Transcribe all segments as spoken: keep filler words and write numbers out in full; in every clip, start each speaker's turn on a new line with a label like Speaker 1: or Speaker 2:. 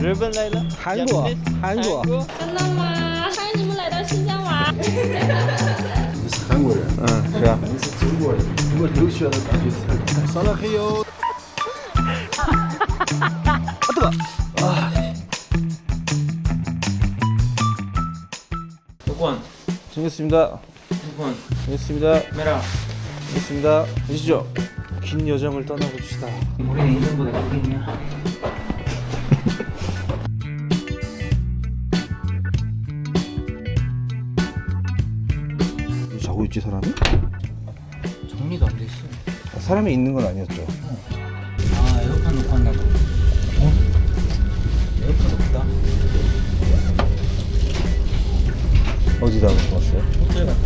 Speaker 1: 日本来了，
Speaker 2: 韩国，韩国，
Speaker 3: 真的吗？欢迎你们来到新疆玩。
Speaker 4: 你是韩国人，
Speaker 2: 嗯，是啊。
Speaker 4: 你是中国人，我留学的感觉上来还有。
Speaker 2: 아 뜨거. 아.
Speaker 1: 두권,
Speaker 2: 정했습니다.
Speaker 1: 두권,
Speaker 2: 정했습니다.
Speaker 1: 메라.
Speaker 2: 정했습니다. 보시죠. 긴 여정을 떠나봅시다.
Speaker 1: 우리는 인생보다 크게 있냐?
Speaker 2: 자고 있지 사람이?
Speaker 1: 정리도 안 돼 있어.
Speaker 2: 사람이 있는 건 아니었죠.
Speaker 1: 아, 에어컨 놓고 왔나 봐. 어? 에어컨 없다.
Speaker 2: 어디다 놓고 왔어요?
Speaker 1: 호텔 같아.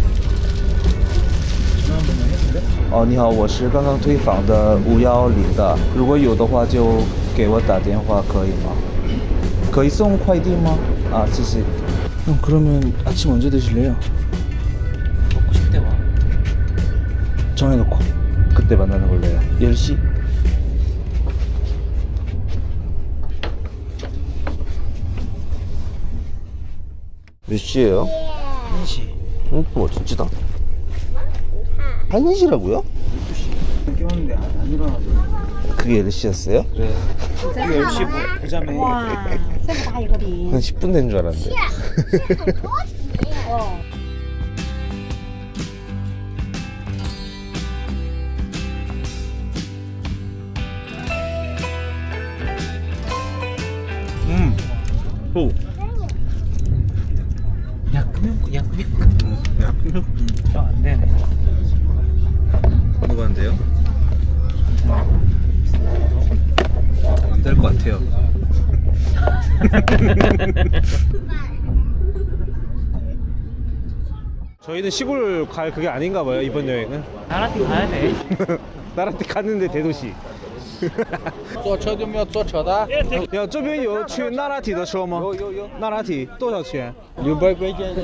Speaker 1: 전화 한 번만 했는데?
Speaker 2: 哦，你好，我是刚刚退房的五幺零的，如果有的话就给我打电话，可以吗？可以送快递吗？啊，谢谢。형 그러면 아침 언제 드실래요?
Speaker 1: 먹고 싶대 와.
Speaker 2: 정해놓고 그때 만나는 걸로 해요. 열 시? 몇 시예요?
Speaker 1: 한 시.
Speaker 2: 응? 뭐 진짜다. 한 시라고요?
Speaker 1: 깨웠는데 안, 안 일어나서.
Speaker 2: 그게 열 시였어요?
Speaker 1: 그래. 열 시 보자매.
Speaker 5: 哇，这么大一个饼
Speaker 2: 한 십 분 된 줄 알았는데.
Speaker 5: 哦。
Speaker 2: 음. 오.
Speaker 1: 약면, 약면. 약면. 안 되네.
Speaker 2: 뭐가 안 돼요? 안 될 것 같아요. 저희는 시골 갈 그게 아닌가 봐요 이번 여행은.
Speaker 1: 나라티 가야 돼.
Speaker 2: 나라티 갔는데 대도시.
Speaker 1: 坐车就没有坐车的？
Speaker 2: 呀，这边有去那拉提的车吗？
Speaker 1: 有有有，
Speaker 2: 那拉提多少钱？
Speaker 1: 六百块钱。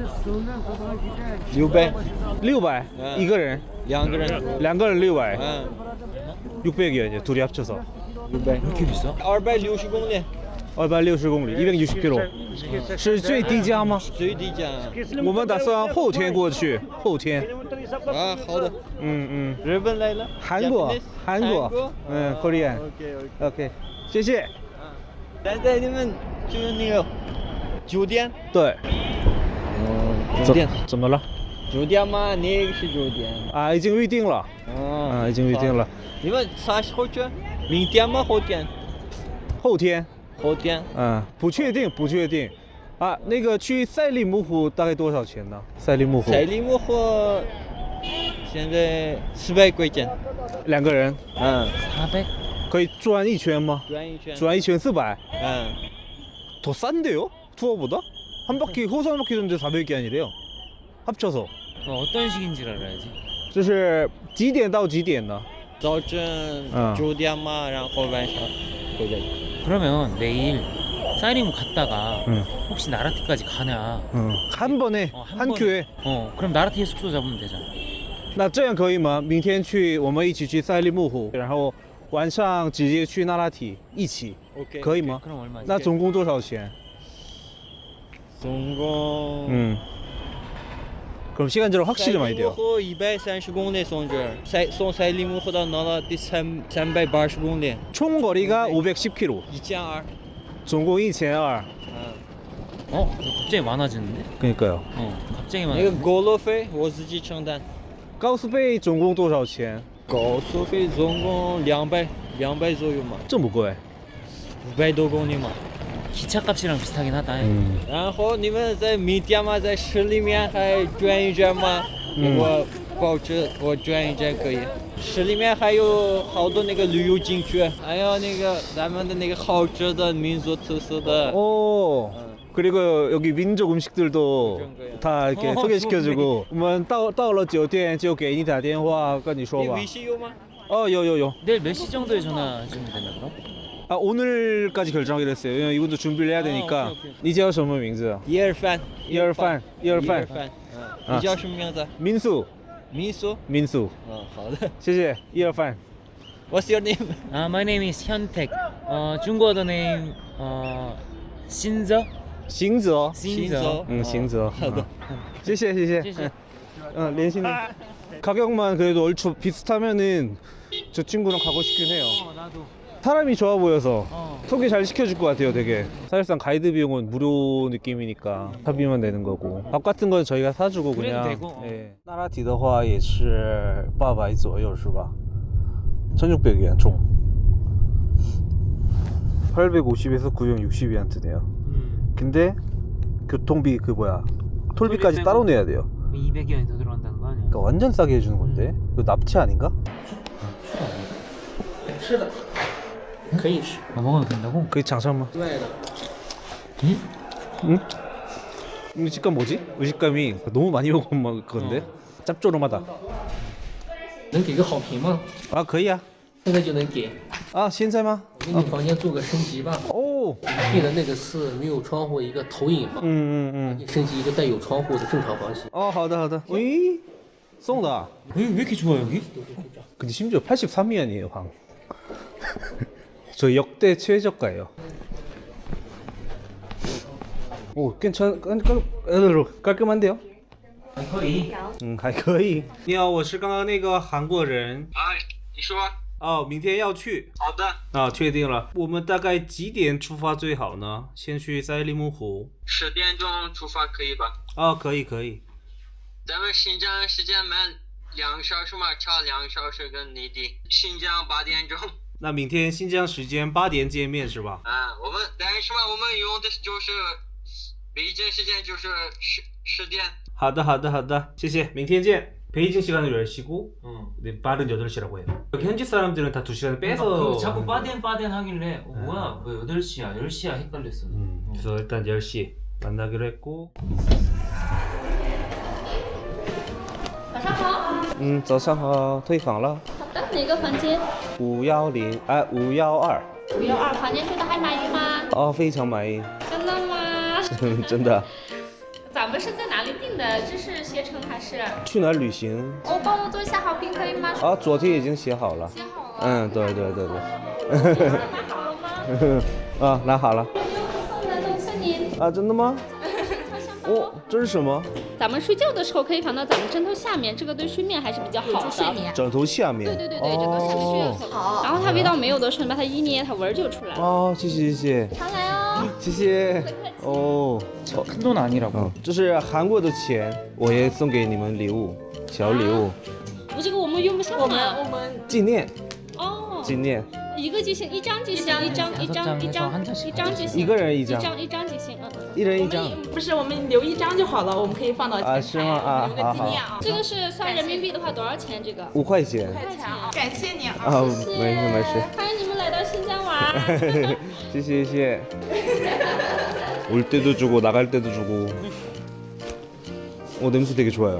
Speaker 1: 六百，
Speaker 2: 六百
Speaker 1: 嗯
Speaker 2: 一个人，
Speaker 1: 两个人。
Speaker 2: 两个人六百，
Speaker 1: 응.
Speaker 2: 육백이요 이제 둘이 합쳐서.
Speaker 1: 육백. 왜 이렇게 비싸? 이백육십公里，
Speaker 2: 二百六十公里，一百六十 km，是最低价吗？
Speaker 1: 最低价。
Speaker 2: 我们打算后天过去，后天。
Speaker 1: 啊，好的。
Speaker 2: 嗯嗯，
Speaker 1: 日本来了。
Speaker 2: 韩国，韩国，嗯，Korean。
Speaker 1: OK OK。
Speaker 2: OK，谢谢。
Speaker 1: 现在你们就是那个酒店。
Speaker 2: 对，
Speaker 1: 嗯，酒店。
Speaker 2: 怎么了？
Speaker 1: 酒店嘛，哪个是酒店？
Speaker 2: 啊，已经预定了。
Speaker 1: 嗯
Speaker 2: 啊，已经预定了。
Speaker 1: 你们啥时候去？明天吗？后天？
Speaker 2: 后天。
Speaker 1: 后天。
Speaker 2: 嗯，不确定，不确定。啊，那个去赛里木湖大概多少钱呢？赛里木湖。
Speaker 1: 赛里木湖现在四百块钱。
Speaker 2: 两个人。
Speaker 1: 嗯。四百。
Speaker 2: 可以转一圈吗？
Speaker 1: 转一圈。
Speaker 2: 转一圈四百。
Speaker 1: 응.
Speaker 2: 더 싼데요? 투어보다? 한 바퀴 호수 한 바퀴 도는데 사백이 아니래요. 합쳐서.
Speaker 6: 어, 어떤 식인지를 알아야지.
Speaker 2: 这是几点到几点呢？
Speaker 1: 早晨
Speaker 2: 嗯
Speaker 1: 九点嘛，然后晚上回来。
Speaker 6: 그러면 내일 사이리무 갔다가
Speaker 2: 응.
Speaker 6: 혹시 나라티까지 가냐?
Speaker 2: 음, 한 번에
Speaker 6: 어,
Speaker 2: 한
Speaker 6: 번에.
Speaker 2: 큐에.
Speaker 6: 어, 그럼 나라티에 숙소 잡으면 되잖아.
Speaker 2: 那这样可以吗？明天去，我们一起去赛里木湖，然后晚上直接去那拉提，一起，
Speaker 1: OK。
Speaker 2: 可以吗？
Speaker 6: 그럼 얼마지?
Speaker 2: 那总共多少钱？
Speaker 1: 总共。
Speaker 2: 음. 그럼 시간제로 확실히 많이 돼요.
Speaker 1: 赛里木湖一百三十公里从这儿，赛从赛里木湖到那拉第三三百八十公里，
Speaker 2: 총 거리가 오백십 킬로미터.
Speaker 1: 一千二。
Speaker 2: 总共一千二。
Speaker 1: 嗯。
Speaker 6: 어? 이거 갑자기 많아지는데?
Speaker 2: 그러니까요.
Speaker 6: 어, 갑자기
Speaker 1: 那个
Speaker 6: 많아지는데?
Speaker 1: 高速费我自己承担。
Speaker 2: 高速费总共多少钱？
Speaker 1: 高速费总共两百两百左右嘛，
Speaker 2: 这么贵？
Speaker 1: 五百多公里嘛。
Speaker 6: 기차값이랑 비슷하긴 하다.
Speaker 2: 嗯。
Speaker 1: 然后你们在明天嘛，在市里面还转一转嘛，
Speaker 2: 嗯
Speaker 1: 我保证我转一转可以。市里面还有好多那个旅游景区，还有那个咱们的那个好吃的民族特色的。
Speaker 2: 오.
Speaker 1: 응.
Speaker 2: 그리고 여기 민족 음식들도
Speaker 1: 그런 거요.
Speaker 2: 다 이렇게
Speaker 6: 어,
Speaker 2: 소개시켜주고. 我们到到了酒店就给你打电话跟你说
Speaker 1: 你
Speaker 2: 吧。
Speaker 1: 微信有吗？
Speaker 2: 어, 요, 요, 요.
Speaker 6: 내일 몇 시 정도에 전화 주면 되나 그럼?
Speaker 2: 아, 오늘까지 결정하기로 했어요. 왜냐면 이분도 준비를 해야 되니까.
Speaker 1: 어, 오케이, 오케이.
Speaker 2: 你叫什么名字？
Speaker 1: 一二饭，
Speaker 2: 一二饭一二饭
Speaker 1: 一二饭。
Speaker 2: 啊
Speaker 1: 嗯，你叫什么名字？
Speaker 2: 民宿，
Speaker 1: 民宿。
Speaker 2: 民宿。
Speaker 1: 嗯，好的。
Speaker 2: 谢谢。一二饭。
Speaker 1: What's your name?
Speaker 6: Uh, my name is Hyuntek. Uh, 중국어 the name uh, 신저.
Speaker 2: 行者
Speaker 6: 신저.
Speaker 2: 응行者 谢谢谢谢
Speaker 6: 谢谢.
Speaker 2: 응联系는 가격만 그래도 얼추 비슷하면은 저 친구랑 가고 싶긴 해요.
Speaker 6: 어, 나도.
Speaker 2: 사람이 좋아 보여서
Speaker 6: 어.
Speaker 2: 소개 잘 시켜줄 것 같아요. 되게 사실상 가이드 비용은 무료 느낌이니까 차비만 내는 거고 밥 같은 건 저희가 사주고
Speaker 6: 그래도
Speaker 2: 그냥.
Speaker 6: 되고, 어.
Speaker 2: 예. 나라티的话也是八百左右是吧？ 천육백 위안 총. 팔백오십에서 구백육십 위안 드네요.
Speaker 6: 음.
Speaker 2: 근데 교통비 그 뭐야 톨비까지
Speaker 6: 톨비
Speaker 2: 따로
Speaker 6: 빼고.
Speaker 2: 내야 돼요.
Speaker 6: 이백 원이 더 들어간다는 거 아니야?
Speaker 2: 그러니까 완전 싸게 해주는 건데 이거 납치 아닌가?
Speaker 4: 可以吃，
Speaker 6: 아, 먹어도 된다고?
Speaker 2: 그게 장사만.
Speaker 4: 外的。
Speaker 2: 응? 이 식감 뭐지? 의식감이 너무 많이 먹으면 막 그건데 짭조름하다.
Speaker 4: 能给个好评吗？
Speaker 2: 아 可以啊
Speaker 4: 现在就能给。
Speaker 2: 아现在吗？
Speaker 4: 给你房间做个升级吧。
Speaker 2: 오
Speaker 4: 订的那个是没有窗户一个投影房，
Speaker 2: 음, 음, 음.
Speaker 4: 升级一个带有窗户的正常房型。
Speaker 2: 어, 好的, 好的. 어이? 쏜다.
Speaker 6: 왜, 왜 이렇게 좋아 여기?
Speaker 2: 근데 심지어 팔십삼 위안이에요, 방. 저 역대 최저가예요. 오, 괜찮, 깔, 깔, 깔끔한데요?
Speaker 6: 还可以.
Speaker 2: 음, 还可以.你好，我是刚刚那个韩国人。
Speaker 1: 啊，你说。
Speaker 2: 哦，明天要去。
Speaker 1: 好的。
Speaker 2: 啊，确定了。我们大概几点出发最好呢？先去赛里木湖。
Speaker 1: 十点钟出发可以吧？
Speaker 2: 啊，可以可以。
Speaker 1: 咱们新疆时间慢两个小时嘛，差两个小时跟内地。新疆八点钟。
Speaker 2: 那明天新疆时间八点见面是吧？
Speaker 1: 啊，我们但是嘛，我们用的就是北京时间就是十十点。
Speaker 2: 好的好的好的，谢谢，明天见。 베이징 시간으로 열 시고
Speaker 6: 어.
Speaker 2: 네, 빠른 여덟 시라고 해요. 여기 현지 사람들은 다 두 시간을 빼서
Speaker 6: 그 자꾸 빠덴 빠덴 하길래 어, 뭐야 뭐 여덟 시야 열 시야 헷갈렸어.
Speaker 2: 음, 그래서 일단 열 시 만나기로 했고
Speaker 3: 晚上好。
Speaker 2: 음, 早上好，退房了。
Speaker 3: 好的，哪个房间？
Speaker 2: 五幺零啊，五幺二。
Speaker 3: 五幺二房间住的还满意吗？
Speaker 2: 哦，非常满意，
Speaker 3: 真的吗？
Speaker 2: 真的。
Speaker 3: 咱们是在哪里订的？这是携程还是？
Speaker 2: 去哪儿旅行？
Speaker 3: 哦，帮我做一下好评可以吗？
Speaker 2: 啊，昨天已经写好了。
Speaker 3: 写好了。
Speaker 2: 嗯，对对对对。
Speaker 3: 拿好了吗？
Speaker 2: 啊，拿好了。
Speaker 3: 有没有送的东西您？
Speaker 2: 啊，真的吗？
Speaker 3: 超香包。
Speaker 2: 哦，这是什么？
Speaker 3: 咱们睡觉的时候可以放到咱们枕头下面，这个对睡眠还是比较好的。睡眠。
Speaker 2: 枕头下面。
Speaker 3: 对对对对，枕头下面睡
Speaker 2: 哦。
Speaker 3: 好。然后它味道没有的时候，你把它一捏，它味儿就出来了。
Speaker 2: 哦，谢谢谢谢。
Speaker 3: 常来哦。
Speaker 2: 谢谢。哦，
Speaker 6: 큰 돈 아니라고.
Speaker 2: 嗯，这是韩国的钱，我也送给你们礼物，小礼物，
Speaker 3: 我这个我们用不上嘛。
Speaker 5: 我们
Speaker 2: 纪念
Speaker 3: 哦，
Speaker 2: 纪念，
Speaker 3: 一个就行，一张就行，一张一张一张一张就行，
Speaker 2: 一个人一张，
Speaker 3: 一张一张就行，嗯。
Speaker 2: 一人一张。
Speaker 5: 不是我们留一张就好了，我们可以放到前台
Speaker 2: 啊是吗啊
Speaker 5: 留个纪念啊。
Speaker 3: 这个是算人民币的话多少钱？这个？
Speaker 2: 五块钱。
Speaker 5: 块钱啊，感谢你啊。
Speaker 2: 啊，没事没事。
Speaker 3: 欢迎你们来到新疆玩。
Speaker 2: 谢谢谢谢。 올 때도 주고 나갈 때도 주고. 어 냄새 되게 좋아요.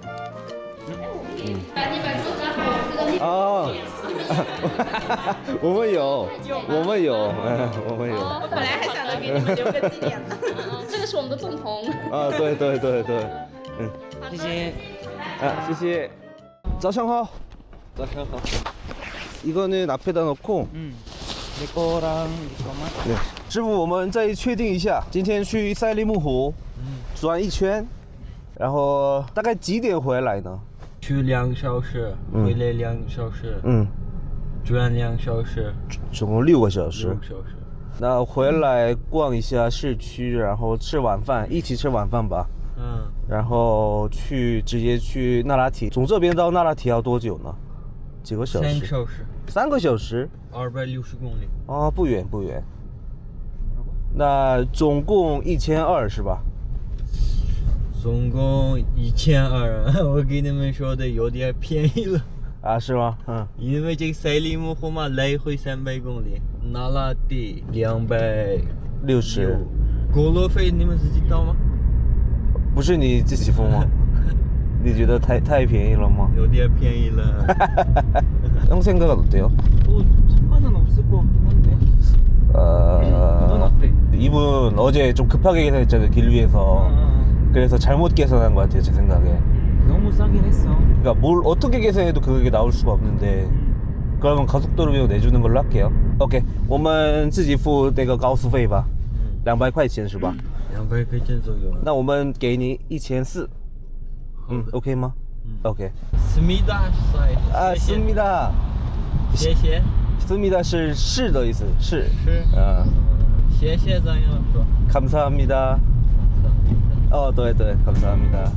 Speaker 2: 아, 我们有，我们有，我们有。
Speaker 5: 我本来还想着给你们留个纪念呢。
Speaker 3: 这个是我们的粽筒。
Speaker 2: 啊，对对对对，嗯，
Speaker 6: 谢谢.
Speaker 2: 아, 谢谢. 早上好.早上好. 이거는 앞에다 넣고.
Speaker 6: 음. 내 거랑 네 거만.
Speaker 2: 네. 师傅，我们再确定一下，今天去赛里木湖转一圈，然后大概几点回来呢？
Speaker 7: 去两个小时，
Speaker 2: 嗯
Speaker 7: 回来两个小时，
Speaker 2: 嗯，
Speaker 7: 转两个小时，
Speaker 2: 总共六个小时
Speaker 7: 六。个小时。
Speaker 2: 那回来逛一下市区，然后吃晚饭，一起吃晚饭吧。
Speaker 7: 嗯，
Speaker 2: 然后去直接去那拉提，从这边到那拉提要多久呢？几个小时？
Speaker 7: 三个小时，
Speaker 2: 三个小时？
Speaker 7: 二百六十公里。
Speaker 2: 哦，不远不远。那总共一千二是吧？
Speaker 7: 总共一千二，我给你们说的有点便宜了，
Speaker 2: 啊，是吗？嗯，
Speaker 7: 因为这个赛里木湖嘛，来回三百公里，那拉提两百
Speaker 2: 六十。
Speaker 7: 过路费你们自己掏吗？
Speaker 2: 不是你自己付吗？你觉得太太便宜了吗？
Speaker 7: 有点便宜了。
Speaker 2: 형 생각은 어때요?
Speaker 6: 뭐 상관은 없을 것 같긴 한데. 넌
Speaker 2: 어...
Speaker 6: 어때?
Speaker 2: 이분 어제 좀 급하게 계산했잖아요, 길 위에서. 그래서 잘못 계산한 것 같아요, 제 생각에.
Speaker 6: 너무 싸긴 했어.
Speaker 2: 그러니까 뭘 어떻게 계산해도 그게 나올 수가 없는데 그러면 고속도로 비용 내주는 걸로 할게요. OK， 我们自己付那个高速费吧，两百块钱是吧？
Speaker 7: 两百块钱左右。
Speaker 2: 那我们给你一千四，嗯 ，OK 吗？ OK。
Speaker 7: 思密达帅。
Speaker 2: 啊，思密达，
Speaker 7: 谢谢。
Speaker 2: 思密达是是的意思，是。
Speaker 7: 是。
Speaker 2: 啊，
Speaker 7: 谢谢这样说。
Speaker 2: 감사합니다. 어, 네, 네, 감사합니다.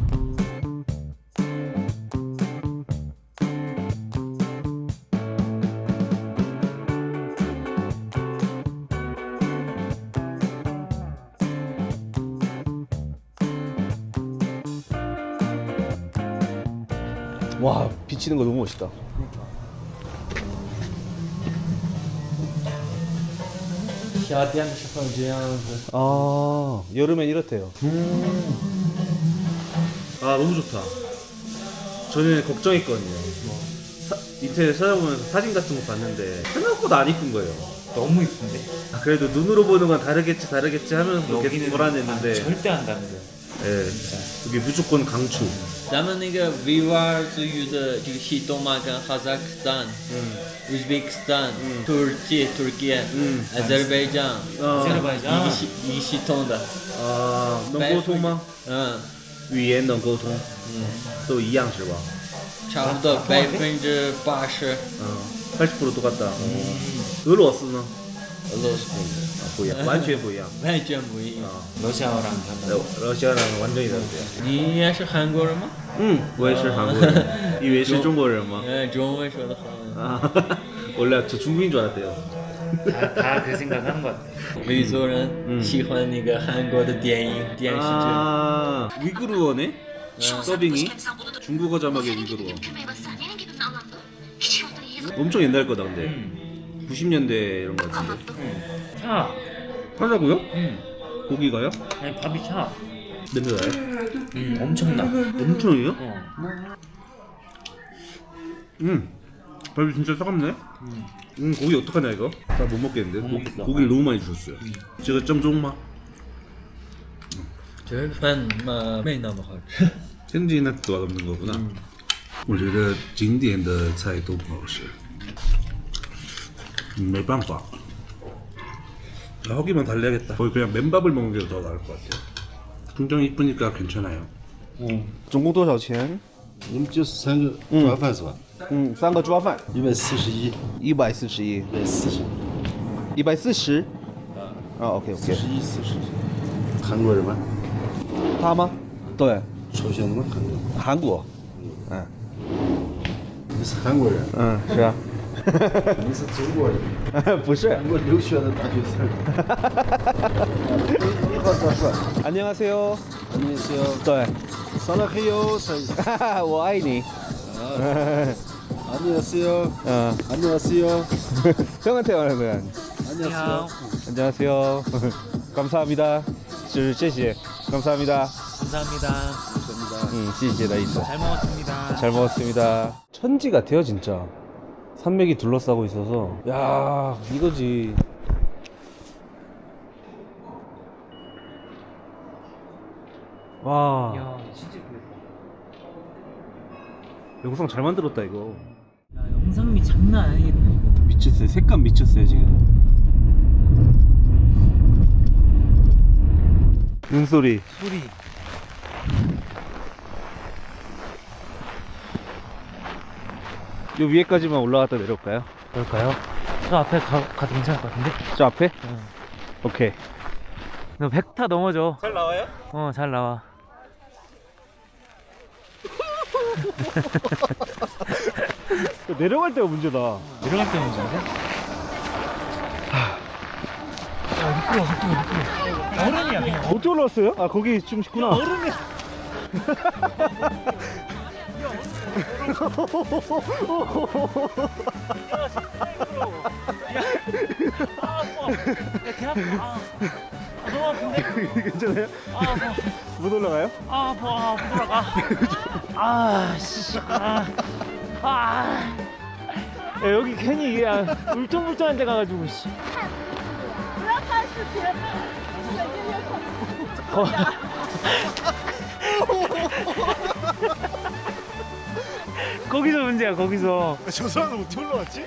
Speaker 2: 와, 비치는 거 너무 멋있다. 아, 여름엔 이렇대요. 아, 너무 좋다. 저는 걱정했거든요. 뭐 사, 인터넷 찾아보면서 사진 같은 거 봤는데 생각보다 안 이쁜 거예요.
Speaker 6: 너무 이쁜데?
Speaker 2: 아, 그래도 눈으로 보는 건 다르겠지, 다르겠지 하면서 계속
Speaker 6: 여기는
Speaker 2: 불안했는데
Speaker 6: 절대 안 다른데.
Speaker 2: 예, 이게 무조건 강추.
Speaker 1: 咱们那个维吾尔族语的这个系统嘛，跟哈萨克斯坦、乌兹别克斯坦、土耳其、Turkey、阿塞拜疆、
Speaker 6: 아제르바이잔.
Speaker 1: 一个系一个系统的。
Speaker 2: 아, 能沟通吗？
Speaker 1: 嗯，
Speaker 2: 语言能沟通，嗯，都一样是吧？
Speaker 1: 差不多百分之八十。
Speaker 2: 嗯，八十 percent 똑같다. 俄罗斯呢？
Speaker 1: 俄罗斯
Speaker 2: 啊，不一样，完全不一样。
Speaker 1: 完全不一样。
Speaker 6: 러시아어랑 달라.
Speaker 2: 러시아랑 완전히 다르대요.
Speaker 1: 你也是韩国人吗？
Speaker 2: 嗯，我也是韩国人，以为是中国人吗？
Speaker 1: 嗯，中文说的好。
Speaker 2: 아, 원래 저 중국인 줄 알았대요.
Speaker 6: 다 그 생각하는 것 같아.
Speaker 1: 维族人喜欢那个韩国的电影电视剧。
Speaker 2: 아, 위구르어네? 서빙이? 중국어 자막에 위구르어. 엄청 옛날 거다 근데. 구십 년대 이런 거 같은데.
Speaker 6: 차.
Speaker 2: 하자고요?
Speaker 6: 응.
Speaker 2: 고기가요?
Speaker 6: 아니 밥이 차.
Speaker 2: 냄새 나요?
Speaker 6: 응. 엄청나.
Speaker 2: 엄청이요?
Speaker 6: 어.
Speaker 2: 음, 밥이 진짜 차갑네. 음, 고기 어떡하냐 이거? 나 못 먹겠는데. 고,
Speaker 6: 먹겠어.
Speaker 2: 고기를 너무 많이 주셨어요. 제가 점中吗?
Speaker 1: 这个饭嘛没那么好吃。
Speaker 2: 현지인한테 또 맛없는 거구나.
Speaker 4: 我觉得景点的菜都不好吃。
Speaker 2: 음, 没办法. 아, 허기만 달래야겠다. 거의 그냥 맨밥을 먹는 게 더 나을 것 같아요.
Speaker 4: 풍경 이쁘니까 괜찮아요.
Speaker 2: 总共多少钱?
Speaker 4: 我们就是三个抓饭是吧？
Speaker 2: 嗯，三个抓饭，
Speaker 4: 一百四十一，
Speaker 2: 一百四十一，
Speaker 4: 一百四十，
Speaker 2: 一百四十。啊，OK
Speaker 4: 四
Speaker 2: OK。
Speaker 4: 十一，四十一。韩国人吗？
Speaker 2: 他吗？对，
Speaker 4: 抽象的吗？韩国。
Speaker 2: 韩国。嗯
Speaker 4: 你是韩国人？
Speaker 2: 嗯，是啊。
Speaker 4: 你是中国人？
Speaker 2: 不是。
Speaker 4: 韩国留学的大学生。你好，赵帅。
Speaker 2: 안녕하세요.
Speaker 4: 안녕하세요.
Speaker 2: 对，
Speaker 4: 사랑해요. 사-
Speaker 2: 我爱你。
Speaker 4: 안녕하세요.
Speaker 2: 음,
Speaker 4: 안녕하세요.
Speaker 2: 형한테 말하는 거야.
Speaker 4: 안녕하세요.
Speaker 2: 안녕하세요. 감사합니다. 是谢谢. 감사합니다.
Speaker 6: 감사합니다.
Speaker 4: 감사합니다.
Speaker 2: 음, 谢谢的意思.
Speaker 6: 잘 먹었습니다.
Speaker 2: 잘 먹었습니다. 천지 같아요, 진짜. 산맥이 둘러싸고 있어서. 야, 이거지. 와,
Speaker 6: 야 진짜 예쁘다.
Speaker 2: 영상 잘 만들었다 이거.
Speaker 6: 야 영상미 장난 아니겠네 이거.
Speaker 2: 미쳤어요. 색감 미쳤어요 지금. 눈소리.
Speaker 6: 소리.
Speaker 2: 요 위에까지만 올라갔다 내려올까요?
Speaker 6: 그럴까요? 저 앞에 가, 가도 괜찮을 것 같은데?
Speaker 2: 저 앞에?
Speaker 6: 응.
Speaker 2: 오케이.
Speaker 6: 너 백 타 넘어져.
Speaker 2: 잘 나와요?
Speaker 6: 어 잘 나와.
Speaker 2: 내려갈 때가 문제다.
Speaker 6: 내려갈 때 문제인데? 야 미끄러워 미끄러워 미끄러워. 얼음이야 그냥.
Speaker 2: 어떻게 올라왔어요? 아 거기 좀 쉽구나.
Speaker 6: 얼음이야. 야개 아파. 아, 아, 너무 아픈데?
Speaker 2: 괜찮아요?
Speaker 6: 아 아파.
Speaker 2: 못 올라가요?
Speaker 6: 아 아파. 아, 못 올라가. 아 씨. 아. 아. 야, 여기 괜히 이게 아, 울퉁불퉁한 데 가가지고 씨. 거... 거기서 문제야 거기서.
Speaker 4: 저 사람은 어떻게 올라왔지?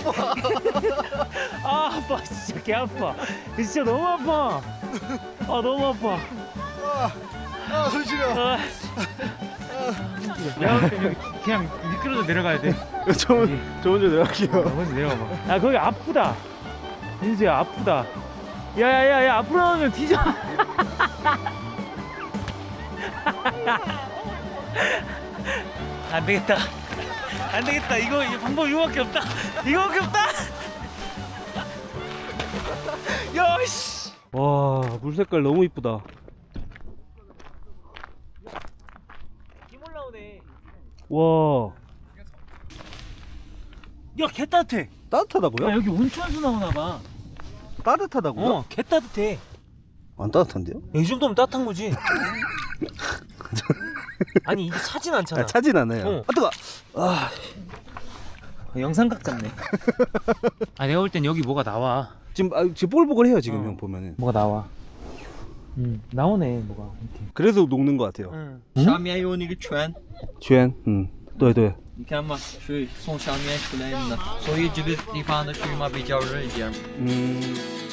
Speaker 6: 아 아파 진짜 개 아파. 진짜 너무 아파. 아 너무 아파.
Speaker 4: 아, 손 시려.
Speaker 6: 아. 내가 볼 때 여기 그냥 미끄러져 내려가야 돼.
Speaker 4: 저, 저 먼저 내려갈게요.
Speaker 6: 먼저 내려가봐. 아 거기 아프다. 민수야 아프다. 야야야야 앞으로 나오면 뒤져. 안 되겠다. 안 되겠다. 이거, 이거 방법 이거밖에 없다. 이거밖에 없다. 야 씨.
Speaker 2: 와, 물 색깔 너무 이쁘다.
Speaker 6: 힘 올라오네.
Speaker 2: 와,
Speaker 6: 야 개 따뜻해.
Speaker 2: 따뜻하다고요?
Speaker 6: 야 여기 온천수 나오나 봐.
Speaker 2: 따뜻하다고요?
Speaker 6: 어, 개 따뜻해.
Speaker 2: 안 따뜻한데요?
Speaker 6: 야, 이 정도면 따뜻한 거지. 아니 이게 차진 않잖아.
Speaker 2: 아, 차진 않아요.
Speaker 6: 어.
Speaker 2: 아, 뜨거. 아,
Speaker 6: 영상각 같네. 아 내가 볼 땐 여기 뭐가 나와.
Speaker 2: 지금 아, 지금 뽀글뽀글해요 지금
Speaker 6: 어.
Speaker 2: 형 보면은.
Speaker 6: 뭐가 나와. 음 나오네 뭐가 이렇게.
Speaker 2: 그래서 녹는 것 같아요.
Speaker 6: 응.
Speaker 1: 下面有那个圈，
Speaker 2: 圈，嗯，对对。
Speaker 1: 你看嘛，水从下面出来的，所以这个地方的水嘛比较热一点。
Speaker 2: 嗯。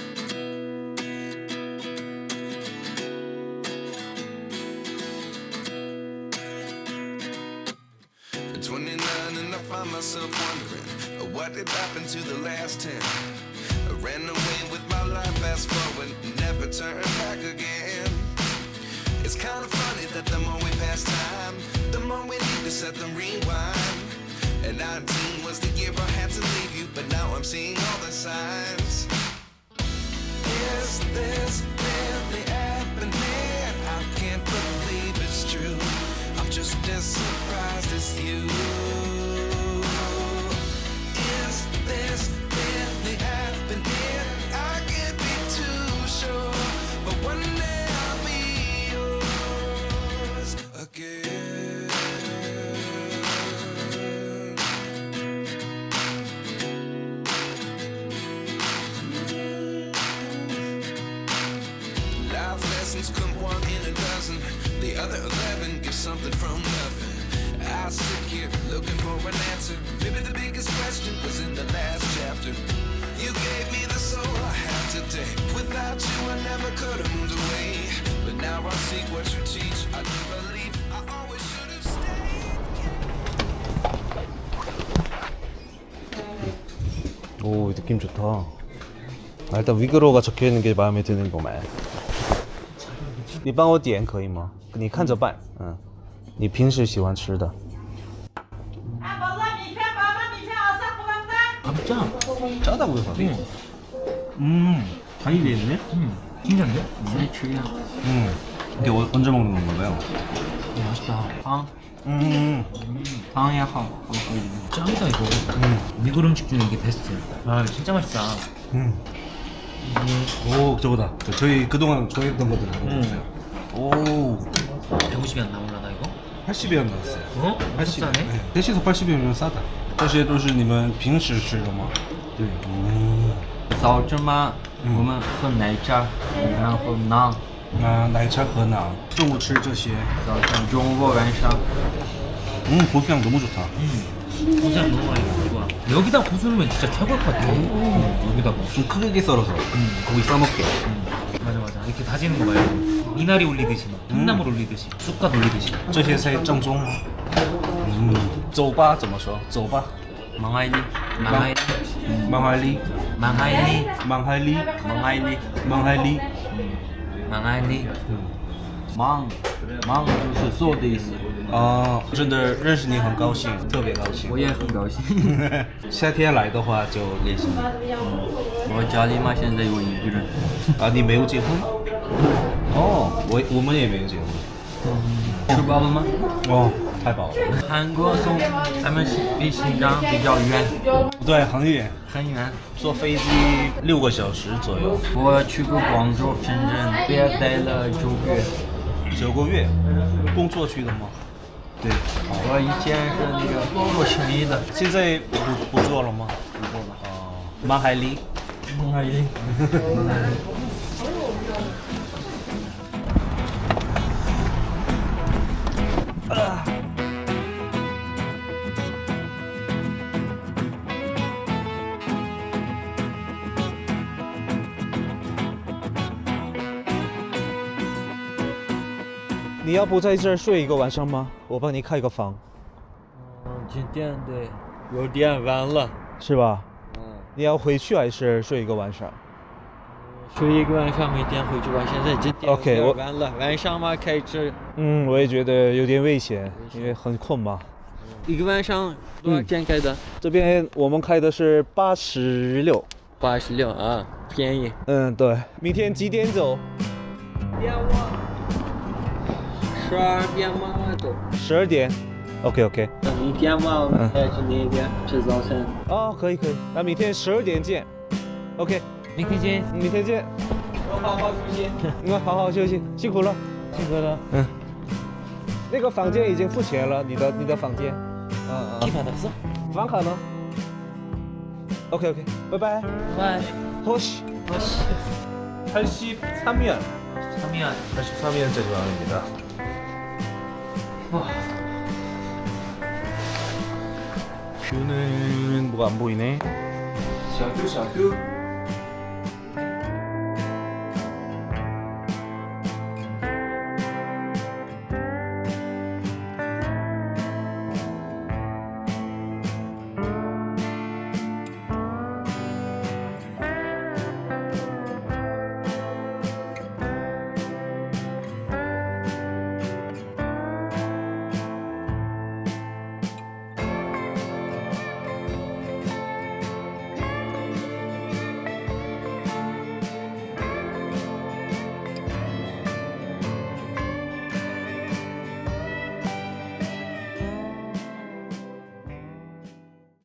Speaker 8: twenty-nine and I find myself wondering uh, what did happen to the last ten. I ran away with my life, fast forward, never turn back again. It's kind of funny that the more we pass time, the more we need to set them rewind. And nineteen was the year I had to leave you, but now I'm seeing all the signs. Is this really happening? I can't believe it's true. I'm just as surprised as you. Is this really happening? I can't be too sure, but one day I'll be yours again. Life lessons come one in a dozen. The other eleven give something from nothing. I sit here looking for an answer. Maybe the biggest question was in the last chapter. You gave me the soul I have today. Without you I never could have moved away. But now I see what you teach. I do believe I always should have stayed.
Speaker 2: 오, 느낌 좋다. 아, 일단 위그로가 적혀 있는 게 마음에 드는 거만. 你帮我点可以吗？你看着办，嗯，你平时喜欢吃的。
Speaker 6: 짜.
Speaker 2: 짜다고요, 밥이? 음, 간이 돼 있네.
Speaker 6: 음, 괜찮네.
Speaker 2: 음, 이게 어, 언제 먹는 건가요?
Speaker 6: 맛있다. 아,
Speaker 2: 嗯，
Speaker 1: 汤也好，
Speaker 6: 짱이다 이거. 음. 미국 음식 중에 이게 베스트야. 아, 진짜 맛있다.
Speaker 2: 음. 오, 저거다. 저희 그동안 좋아했던 것들 다 먹었어요. 오,
Speaker 6: 백오십이 안 나올라나 이거?
Speaker 2: 팔십元 나왔어요.
Speaker 6: 어?
Speaker 2: 팔십.
Speaker 6: 싸네.
Speaker 2: 네, 대시소 팔십元면 싸다. 这些都是你们平时吃的吗？对。嗯。
Speaker 1: 早晨嘛，我们喝奶茶，然后馕。
Speaker 2: 啊，奶茶和馕。中午吃这些。
Speaker 1: 早晨、中午、晚上。
Speaker 2: 음, 고수향 너무 좋다.
Speaker 6: 고수향 너무 많이 좋아. 여기다 고수 넣으면 진짜 최고일 것 같아. 음, 여기다가.
Speaker 2: 좀 크게 썰어서 고기 싸먹게.
Speaker 6: 맞아 맞아. 이렇게 다지는 거 말고 미나리 올리듯이 막 콩나물 올리듯이 쑥갓 올리듯이.
Speaker 2: 这些才正宗。嗯，走吧怎么说？走吧。
Speaker 1: 망하이리, 망하이리,
Speaker 2: 망할리,
Speaker 1: 망하이리,
Speaker 2: 망할리,
Speaker 1: 망하이리,
Speaker 2: 망할리.
Speaker 1: 망하이리. 망, 망就是做的意思。
Speaker 2: 啊，真的认识你很高兴，特别高兴。
Speaker 1: 我也很高兴。
Speaker 2: 夏天来的话就联系你。
Speaker 1: 我家里嘛现在有一个人。
Speaker 2: 啊，你没有结婚？哦，我我们也没有结婚。
Speaker 1: 吃饱了吗？
Speaker 2: 哦，太饱了。
Speaker 1: 韩国从咱们比新疆比较远，
Speaker 2: 对，很远，
Speaker 1: 很远。
Speaker 2: 坐飞机六个小时左右。
Speaker 1: 我去过广州、深圳，别待了九个月。
Speaker 2: 九个月，工作去的吗？对。
Speaker 1: 我以前是那个做生意的，
Speaker 2: 现在不不做了吗？不做了。哦，蛮海里。
Speaker 1: 蛮海里。
Speaker 2: 你要不在这儿睡一个晚上吗？我帮你开个房，
Speaker 7: 嗯，今天对，有点晚了。
Speaker 2: 是吧？
Speaker 7: 嗯，
Speaker 2: 你要回去还是睡一个晚上？
Speaker 7: 睡一个晚上，明天回去吧。现在今天
Speaker 2: OK，我
Speaker 7: 有点晚了，晚上嘛开车
Speaker 2: 嗯，我也觉得有点危险，因为很困嘛。
Speaker 7: 一个晚上多少钱开的？
Speaker 2: 这边我们开的是八十六。
Speaker 7: 八十六啊，便宜。
Speaker 2: 嗯，对。明天几点走？
Speaker 7: 点我十二点嘛走。
Speaker 2: 十二点。OK OK。
Speaker 7: 明天嘛，我们再去那边吃早餐。
Speaker 2: 哦，可以可以，那明天十二点见。OK，
Speaker 6: 明天见。
Speaker 2: 明天见。
Speaker 1: 我好好休息。
Speaker 2: 嗯，好好休息，辛苦了。
Speaker 6: 辛苦了。
Speaker 2: 嗯。那个房间已经付钱了，你的你的房间。嗯嗯。
Speaker 6: 받았어?
Speaker 2: 房卡呢 ？OK OK，拜拜。
Speaker 6: 拜。
Speaker 2: 호시
Speaker 6: 호시.
Speaker 2: 팔십삼 년.
Speaker 6: 삼 년.
Speaker 2: 팔십삼 년째 조항입니다. 와. 뷰는 뭐가 안 보이네. 샤뚜 샤뚜.